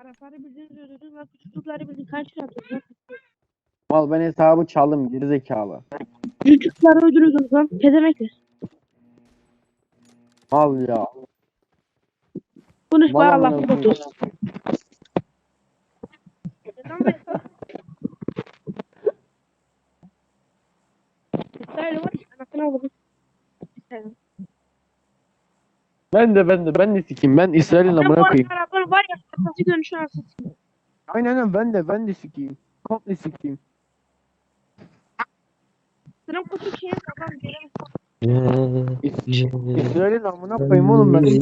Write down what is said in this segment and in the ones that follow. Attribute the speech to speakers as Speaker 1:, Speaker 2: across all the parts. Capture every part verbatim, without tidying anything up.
Speaker 1: Arapları bildiniz öldürdünüz. Bak çocukları bildin. Kaç lira atıyorsun?
Speaker 2: Mal ben hesabı çaldım gerizekalı.
Speaker 1: Çocukları öldürüyordunuz lan. Pedemekler.
Speaker 2: Mal ya.
Speaker 1: Konuşma
Speaker 2: Mal
Speaker 1: Allah
Speaker 2: amına
Speaker 1: botu.
Speaker 2: koyayım.
Speaker 1: İsrail var. Anasını avladım. İsrail.
Speaker 2: Ben de ben de ben de sikeyim. Ben İsrail'in
Speaker 1: Bu
Speaker 2: amına koyayım.
Speaker 1: Araplar var ya. Nasıl dönüşü nasıl?
Speaker 2: Aynen aynen ben de ben de sikeyim. Komple sikeyim.
Speaker 1: Sıram kutu şey kafam göremez.
Speaker 2: İs- İsrail'in amına koyayım oğlum ben.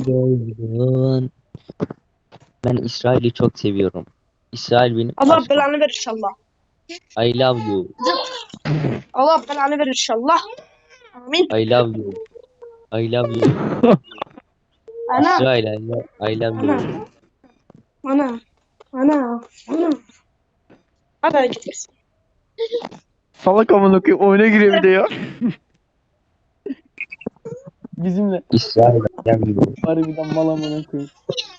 Speaker 3: Ben İsrail'i çok seviyorum. İsrail benim
Speaker 1: Allah
Speaker 3: aşkım.
Speaker 1: belanı verir inşallah.
Speaker 3: I love you.
Speaker 1: Allah belanı verir inşallah. Amin.
Speaker 3: I love you. I love you.
Speaker 1: Ana.
Speaker 3: İsrail I love, I love you.
Speaker 1: Ana. Ana. Ana. Ana gitmesin.
Speaker 2: Salak amına koyayım oyuna giriyor bir de ya. Bizimle.
Speaker 3: İsrail I love you.
Speaker 2: Harbiden mal amına koyayım.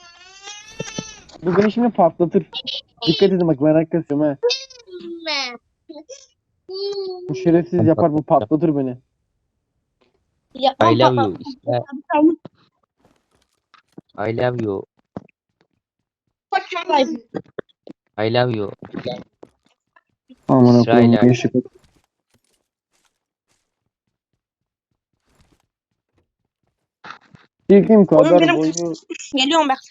Speaker 2: Bu beni şimdi patlatır. Dikkat edin bak merak ediyorum ha. Bu şerefsiz yapar bu patlatır beni.
Speaker 1: Ya,
Speaker 3: I love you. İsrail I love you. I love you.
Speaker 2: Amına
Speaker 3: İsrail
Speaker 2: koyayım
Speaker 3: abi.
Speaker 2: yaşık. Bildiğim kadar
Speaker 1: benim-
Speaker 2: boyu.
Speaker 1: Geliyorum bak.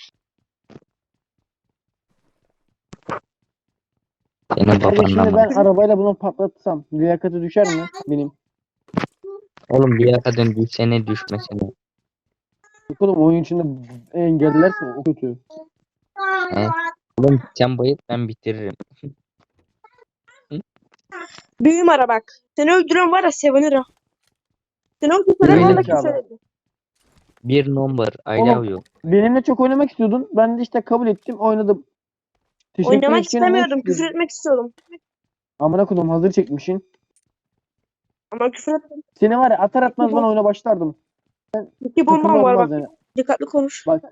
Speaker 3: Senin
Speaker 2: Hadi
Speaker 3: babanla
Speaker 2: şimdi ben
Speaker 3: ben...
Speaker 2: arabayla bunu patlatsam liyakati düşer mi benim?
Speaker 3: Oğlum bir yakadın düşsene düşmesene.
Speaker 2: Yok oğlum oyun içinde engellerse o kötü.
Speaker 3: He? Oğlum sen bayıt ben bitiririm.
Speaker 1: Büyüğüm ara bak. Seni öldüren var ya sevinirim. Seni öldüren
Speaker 2: Benim
Speaker 1: var da
Speaker 2: zekalı.
Speaker 1: küfür ediyor.
Speaker 3: Bir number I
Speaker 2: Oğlum,
Speaker 3: love you.
Speaker 2: Benimle çok oynamak istiyordun. Ben de işte kabul ettim oynadım. Teşekkür
Speaker 1: Oynamak
Speaker 2: etken
Speaker 1: istemiyordum.
Speaker 2: hoş
Speaker 1: Küfür
Speaker 2: geldin.
Speaker 1: etmek istiyordum.
Speaker 2: Amına koydum hazır çekmişsin.
Speaker 1: Ama küfür ettim.
Speaker 2: Seni var ya atar atmaz ben oyuna başlardım.
Speaker 1: İki bombam
Speaker 2: Takımda
Speaker 1: var
Speaker 2: olmaz
Speaker 1: bak.
Speaker 2: yani.
Speaker 1: Dikkatli konuş.
Speaker 2: Bak.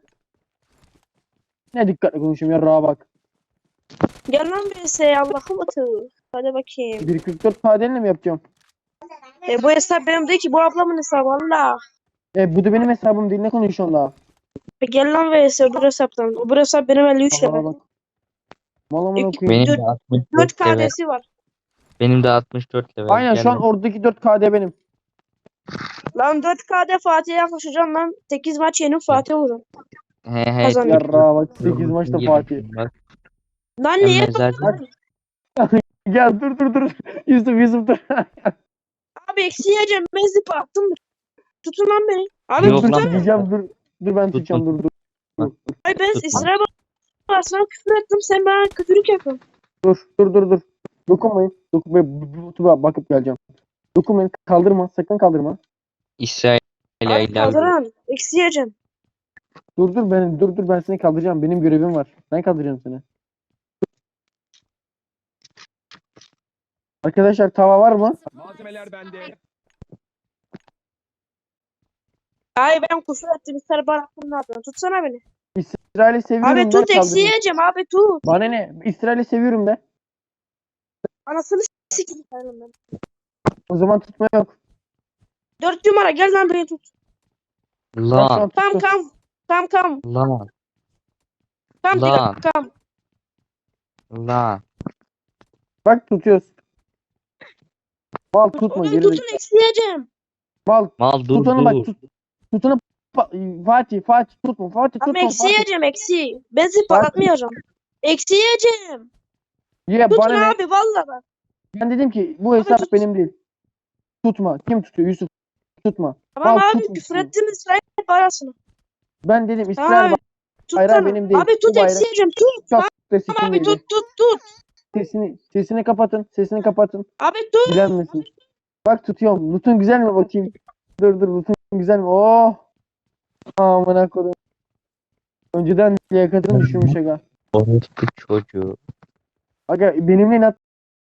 Speaker 2: Ne dikkatli konuşayım ya rağa bak.
Speaker 1: Gel lan birisi Allah'ım atı. Hadi bakayım.
Speaker 2: bir kırk dört padenle mi yapacağım?
Speaker 1: E, bu hesap benim değil ki. Bu ablamın hesabı Allah.
Speaker 2: E bu da benim hesabım değil ne konuşuyorsun daha?
Speaker 1: E, gel lan birisi öbür hesaptan. Öbür hesap benim elli üç
Speaker 2: Aa,
Speaker 1: level.
Speaker 2: bak. Mal amına koyayım.
Speaker 3: Benim
Speaker 1: Dört-
Speaker 3: de altmış
Speaker 1: dört
Speaker 3: dört level.
Speaker 1: K D'si var.
Speaker 3: Benim de altmış dört level.
Speaker 2: Aynen
Speaker 3: Gel
Speaker 2: şu an
Speaker 3: lan.
Speaker 2: oradaki dört K D benim.
Speaker 1: Lan dört K D Fatih'e yaklaşacağım lan. sekiz maç yenip Fatih olacağım.
Speaker 3: He he.
Speaker 1: Kazandım.
Speaker 2: Ya
Speaker 3: Türk-
Speaker 2: rağa bak sekiz
Speaker 3: Türk-
Speaker 2: maçta
Speaker 3: Türk-
Speaker 2: Fatih.
Speaker 3: Bak,
Speaker 1: Lan
Speaker 3: sen
Speaker 1: niye?
Speaker 3: mezarcı-
Speaker 2: Gel dur dur dur. Yusuf Yusuf dur.
Speaker 1: Abi eksi yiyeceğim. Ben zip attım. Tutun lan beni. Abi
Speaker 3: Yok
Speaker 2: dur
Speaker 3: lan.
Speaker 2: diyeceğim dur. Dur ben
Speaker 3: Tut,
Speaker 2: tutacağım dur dur.
Speaker 1: Ay ben
Speaker 3: Tutma.
Speaker 1: İsrail basına küfür ettim. Sen bana kötülük yapıyorsun.
Speaker 2: Dur dur dur dur. Dokunmayın. Dokunmayın. YouTube'a bakıp geleceğim. Dokunmayın. Kaldırma. Sakın kaldırma.
Speaker 3: İsrail I
Speaker 1: Abi
Speaker 3: love you.
Speaker 1: kaldıran. Eksi yiyeceğim.
Speaker 2: Dur dur ben dur dur ben seni kaldıracağım. Benim görevim var. Ben kaldıracağım seni. Arkadaşlar tava var mı?
Speaker 4: Malzemeler bende.
Speaker 1: Ay ben küfür ettim. İsrail bıraktım ne yapıyorsun? Tutsana beni.
Speaker 2: İsrail'i seviyorum
Speaker 1: Abi
Speaker 2: de
Speaker 1: tut eksi
Speaker 2: kaldırayım.
Speaker 1: yiyeceğim abi tut.
Speaker 2: Bana ne? İsrail'i seviyorum de.
Speaker 1: Anasını sikeyim ben.
Speaker 2: O zaman tutma yok.
Speaker 1: Dört numara gel lan beni tut.
Speaker 2: Ben şu
Speaker 3: Lan
Speaker 2: an
Speaker 1: Kam
Speaker 2: tuttum.
Speaker 1: kam. Kam kam.
Speaker 3: lan
Speaker 1: Kam
Speaker 3: Lan.
Speaker 1: tika kam.
Speaker 3: lan.
Speaker 2: Bak tutuyoruz. Mal tutma
Speaker 1: Oğlum
Speaker 2: geri
Speaker 1: tutun
Speaker 2: zekalı.
Speaker 1: eksi yiyeceğim.
Speaker 2: Mal
Speaker 3: Mal dur
Speaker 2: tutunu
Speaker 3: dur.
Speaker 2: bak tut. Tutunu Pa- Fatih Fatih tutma Fatih
Speaker 1: Ama
Speaker 2: tutma
Speaker 1: eksi
Speaker 2: Fatih.
Speaker 1: yiyeceğim eksi. Ben zip
Speaker 2: Bak.
Speaker 1: atmayacağım. Eksi yiyeceğim.
Speaker 2: Ya
Speaker 1: Tutun
Speaker 2: bana ne?
Speaker 1: abi valla bak.
Speaker 2: Ben dedim ki bu hesap
Speaker 1: tut.
Speaker 2: benim değil. Tutma. Kim tutuyor? Yusuf. Tutma.
Speaker 1: Tamam
Speaker 2: Mal
Speaker 1: abi
Speaker 2: tutma.
Speaker 1: küfür ettim İsrail parasını.
Speaker 2: Ben dedim
Speaker 1: Tamam
Speaker 2: İsrail
Speaker 1: abi.
Speaker 2: bayrağı
Speaker 1: Tutsana.
Speaker 2: benim değil.
Speaker 1: Abi tut
Speaker 2: Bu bayrak
Speaker 1: eksi yiyeceğim tut.
Speaker 2: çok
Speaker 1: Tamam
Speaker 2: spesifik
Speaker 1: abi
Speaker 2: değil.
Speaker 1: tut tut tut.
Speaker 2: Sesini, sesini kapatın. Sesini kapatın.
Speaker 1: Abi tut.
Speaker 2: Bilenmesin. Bak tutuyorum. Lutun güzel mi bakayım? Dur dur Lutun güzel mi? Oh. Amına koydum. Önceden liyakatını düşürmüş aga.
Speaker 3: Orospu çocuğu.
Speaker 2: Aga benimle inat